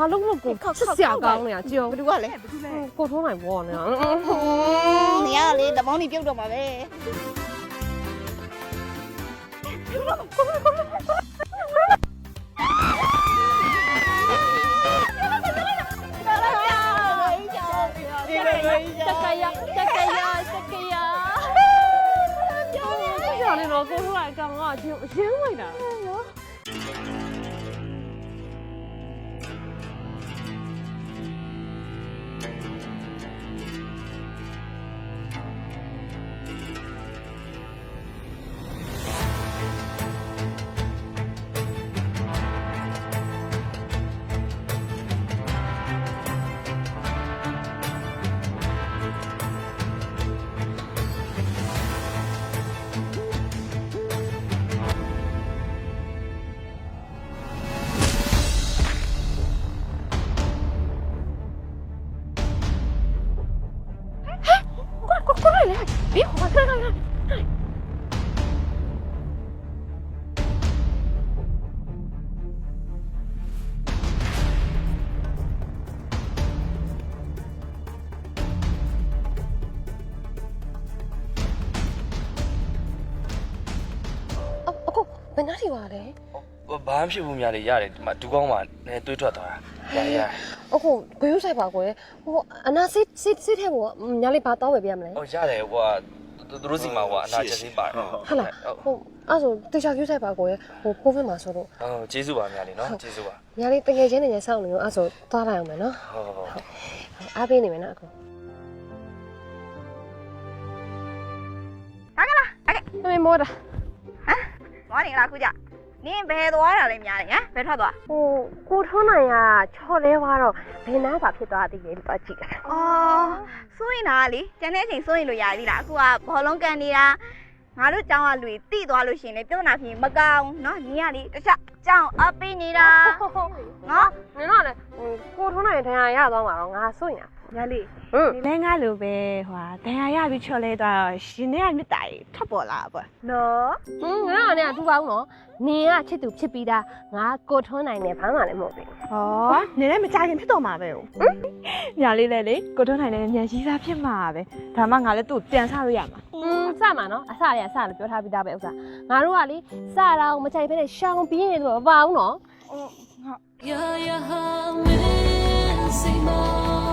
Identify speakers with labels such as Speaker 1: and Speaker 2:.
Speaker 1: ဘာလို့လို့ကိုချစ်စရာကောင်းနေရကြည့်အောင်
Speaker 2: ဘယ်သူကလဲ
Speaker 1: ကိုထုံးနိုင်ဘောနေရ
Speaker 2: နေရလေတပေါင်းနေပြုတ်တော့မှာပဲ
Speaker 1: တက်ကရပြောနေတော့ကိုထုံးနိုင်ကောင်ကရင်းလိုက်တာနော် 过来来，别慌，看。哦，在哪里玩嘞？
Speaker 3: ဘာမှဖြစ်ဘူးများလေရတယ်ဒီမှာဒူးကောင်းမှာလည်းတွေးထွက်သွားတာရ
Speaker 1: အခုဘယ်လိုဆိုင်ပါကိုလဲဟိုအနာစစ်ထဲကိုညာလေးဘာတော့ပဲပြရမလဲ
Speaker 3: ဟိုရတယ်ဟိုကသူတို့စီမှာဟိုအနာချက်စင်းပါတယ်
Speaker 1: ဟုတ်လားဟိုအဲ့ဆိုတေချာကျူးဆိုင်ပါကိုလဲဟိုကိုဗစ်မှာဆိုတော့
Speaker 3: ဟုတ်ကျေးဇူးပါများလေနော်ကျေးဇူးပါ
Speaker 1: ညာလေးတကယ်ချင်းနေစောင့်နေရောအဲ့ဆိုသွားလိုက်အောင်မယ်နော်
Speaker 3: ဟုတ်
Speaker 1: အားပေးနေမယ်နော်အခု
Speaker 2: ဟာကလားအဲ့
Speaker 1: မမေမောတာ
Speaker 2: သွားနေလားခုကြနင်းဘယ်သွားတာလဲများတယ်ဟမ်ဘယ်ထွက်သွား
Speaker 1: ဟိုကိုထွန်းနိုင်ကချော်လဲသွားတော့ဘယ်နားပါဖြစ်သွားသေးလဲသွားကြည့်တာ
Speaker 2: အော်စိုးရင်လားလေကျန်တဲ့အချိန်စိုးရင်လို့ရသေးလားအခုကဘောလုံးကန်နေတာငါတို့ကျောင်းကလူတွေတိသွားလို့ရှိရင်လေပြဿနာဖြစ်မကောင်းเนาะနင်းကလေတခြားကျောင်းအပေးနေတာနော်
Speaker 1: နင်တော့လေကိုထွန်းနိုင်ထိုင်ရသွားမှာတော့ငါစိုးရင်
Speaker 2: ရလေ
Speaker 1: ဟမ်
Speaker 2: ဒီလဲငါလိုပဲဟွာဒဏ်ရာရပြီးချော်လဲသွားတော့ရှင်ထဲကမြစ်တာကြီးထပ်ပေါ်လာပေါ့နော်
Speaker 1: ငါကလည်းအထူပါဘူးနော်နင်ကချစ်သူဖြစ်ပြီးသားငါကိုထွန်းနိုင်နဲ့ဘာမှလည်းမဟုတ်ဘူး
Speaker 2: ဟောနေလည်းမကြခင်ဖြစ်တော့မှာပဲဟိုညာလေးလဲလေကိုတွန်းနိုင်လည်းမြန်ကြီးစားဖြစ်မှာပဲဒါမှငါလည်းသူ့ပြန်ဆလို့ရမှာ
Speaker 1: စမှာနော်အစရစလို့ပြောထားပြီးသားပဲဥစ္စာငါတို့ကလေစတာကိုမချိုက်ဖဲနဲ့ရှောင်ပြင်းနေလို့မပါဘူးနော်
Speaker 2: ဟုတ်
Speaker 4: You're your home, say more.